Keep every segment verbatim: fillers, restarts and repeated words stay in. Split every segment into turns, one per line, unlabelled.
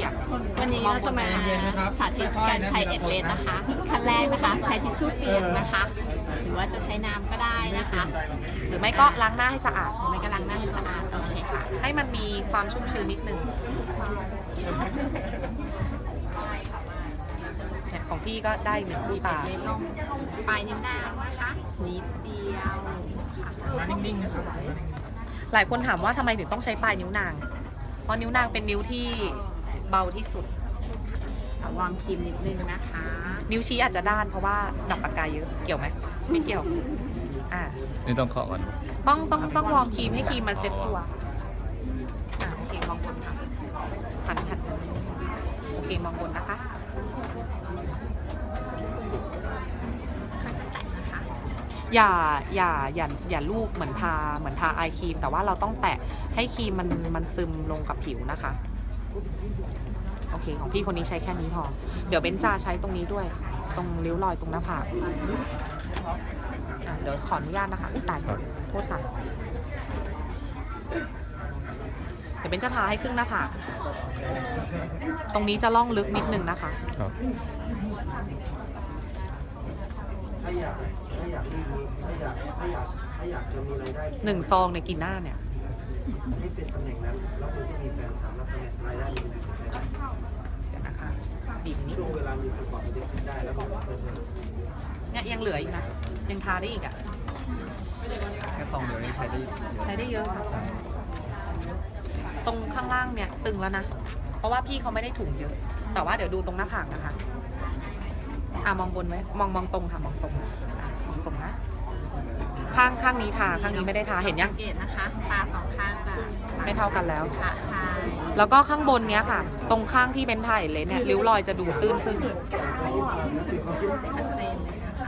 ยก
วันนี้เราจะมาสาธิตการใช้เอ็ดเลนนะคะขั้นแรกนะคะใช้ทิชชู่เปียกนะคะหรือว่าจะใช้น้ำก็ได้นะคะ
หรือไม่ก็ล้างหน้าให้สะอาด
หรือไม่ก็ล้างหน้าให้สะอาดโอเคค่ะ
ให้มันมีความชุ่มชื้นนิดนึงของพี่ก็ได้หนึ่งคู่ตา
ลงปลายนิ้วนางนะคะนิดเดียวค่ะ
นิ่งๆนะครับ
หลายคนถามว่าทำไมถึงต้องใช้ปลายนิ้วนางเพราะนิ้วนางเป็นนิ้วที่เบาที่สุด
วางครีมนิดนึงนะคะ
นิ้วชี้อาจจะด้านเพราะว่าจับปากกาเยอะเกี่ยวไหมไม่เกี่ยวอ่า
นี่ต้องเคาะก่อน
ต้องต้องต้องวอร์มครีมให้ครีมมันเซ็ตตัวอ่าโอเคมองบนค่ะหันหันโอเคมองบนนะคะอย่าอย่าอย่าอย่าลูบเหมือนทาเหมือนทาไอครีมแต่ว่าเราต้องแตะให้ครีมมันมันซึมลงกับผิวนะคะโอเคของพี่คนนี้ใช้แค่นี้พอเดี๋ยวเบนจาใช้ตรงนี้ด้วยตรงริ้วรอยตรงหน้าผากอ่ะเดี๋ยวขออนุญาตนะคะอุ้ยตายโทษค่ะเดี๋ยวเบนจะทาให้ครึ่งหน้าผากตรงนี้จะล่องลึกนิดนึงนะคะ
ถ้าอยากถ้าอยากที่มีถ้าอยากถ้าอยากถ้าอยากจะมีรายได้
หนึ่งซองในกินหน้าเนี่ย
ให้เป็นตำแหน่งนั้นแล้วคุณก็มีแฟนสามรับตำแหน่งรายได้มีรายได้
เดี๋ยวนะคะบีบนี้
ช่วงเวลามีประกอบเด็กขึ้นได้แล้วก็
เนี่ยยังเหลืออีกนะยังทาได้อีกอ่ะ
แค่ซองเดียวนี้ใช้ได้
ใช้ได้เยอะค่ะตรงข้างล่างเนี่ยตึงแล้วนะเพราะว่าพี่เขาไม่ได้ถุงเยอะแต่ว่าเดี๋ยวดูตรงหน้าผากนะคะอ่ะมองบนไว้มองมองตรงค่ะมองตรงมองตรงนะข้างข้างนี้ทาข้างนี้ไม่ได้ทาเห็นยัง
สังเกตนะคะตาสองข้างจะ
ไม่เท่ากันแล้ว
ค่ะใช่
แล้วก็ข้างบนเนี้ยค่ะตรงข้างที่เป็นถ่ายเลยเนี่ยริ้วรอยจะดูตื้นขึ้น
ชัดเจนเลยนะคะ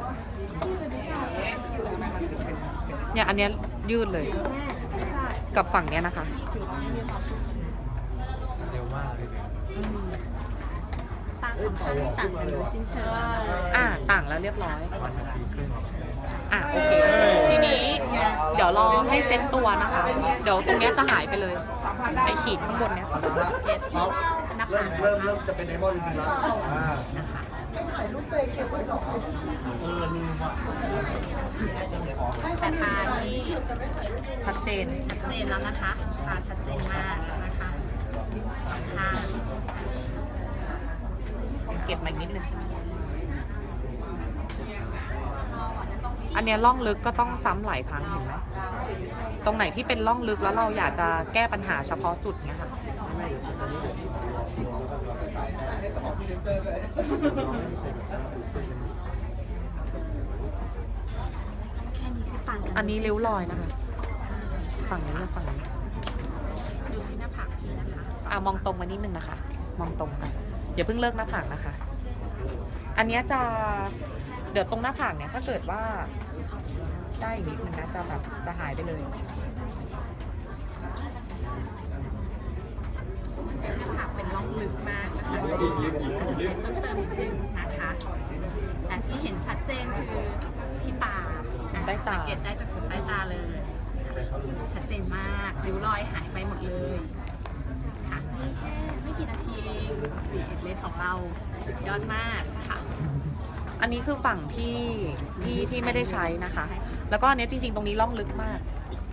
เนี่ยอันเนี้ยยืดเลยกับฝั่งเนี้ยนะคะ
เร็วมากเลย
ตาสองข้างต่างกันโดยสิ้นเชิง
อ่าต่างแล้วเรียบร้อยอ่ะโอเคทีนี้เดี๋ยวรอให้เซ็ตตัวนะคะเดี๋ยวตรงเนี้ยจะหายไปเลยไอขีดข้างบนเนี้ย
เริ่มเริ่มเริ่มจะเป็นไดมอนด์จริงๆแล้วอ่า
แต่ตานี่
ชัดเจน
ชัดเจนแล้วนะคะตาชัดเจนมากนะคะค่ะ
เก็บมาอีกนิดนึงอันเนี้ยล่องลึกก็ต้องซ้ำหลายครั้งเห็นไหมตรงไหนที่เป็นล่องลึกแล้วเราอยากจะแก้ปัญหาเฉพาะจุดเนี้ยค่ะอันนี้ริ้วรอยนะคะฝั่งนี้กับฝั่งนี้
ดูที่หน้าผากพี่นะคะ
อ่ะมองตรงมานิดนึงนะคะมองตรงค่ะอย่าเพิ่งเลิกหน้าผากนะคะอันนี้จะเดี๋ยวตรงหน้าผากเนี่ยถ้าเกิดว่าได้อีกนิดนึงนะจะแบบจะหายไปเลย
หน้าผากเป็นร่องลึกมากนะคะอาจจะใช้ต้นเติมนิดนึงนะคะแต่ที่เห็นชัดเจนคือที่ตาสังเกตได้จากขนใต้ตาเลยชัดเจนมากริ้วรอยหายไปหมดเลยค่ะนี่แค่ไม่กี่นาทีเองสีเอ็ดเลนของเราสุดยอดมากค่ะ
อันนี้คือฝั่งที่ที่ที่ไม่ได้ใช้นะคะแล้วก็อันนี้จริงๆตรงนี้ล่องลึกมาก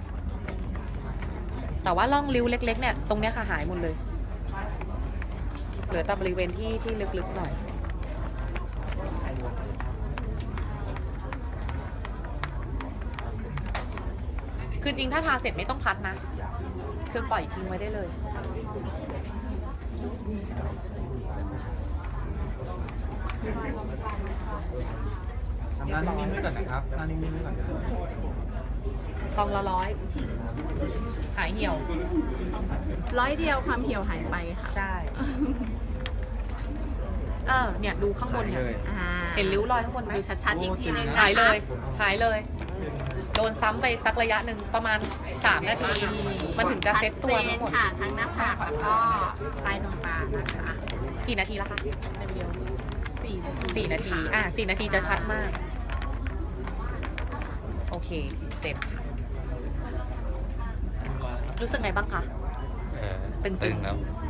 แต่ว่าล่องริ้วเล็กๆเนี่ยตรงเนี้ยค่ะหายหมดเลยเหลือแต่บริเวณที่ที่ลึกๆหน่อยคือจริงถ้าทาเสร็จไม่ต้องพัดนะคือปล่อยทิ้งไว้ได้เลย
ทำหน้านิ่งๆไว้ก่อนนะครับหน้านิ่งๆไว้ก่อนนะ
ซองละร้อยหายเหี่ยว
ร้อยเดียวความเหี่ยวหายไปค่ะ
ใช่เออเนี่ยดูข้างบนเนี่ยเห็นริ้วรอยข้างบนไหม
ดูชัดๆอีกทีนึง
หายเลยหายเลยโดนซ้ำไปสักระยะหนึ่งประมาณสามนาทีมันถึงจะเซ็ตตัวทั้งหมด
ค่ะทั้งหน้าผากแล้วก็ใต้ดวงตานะคะ
กี่นาทีแล้วคะ
สี่
สี่นาทีอ่ะสี่นาทีจะชัดมากโอเคเสร็จรู้สึกไงบ้างคะ
ตึงๆครับ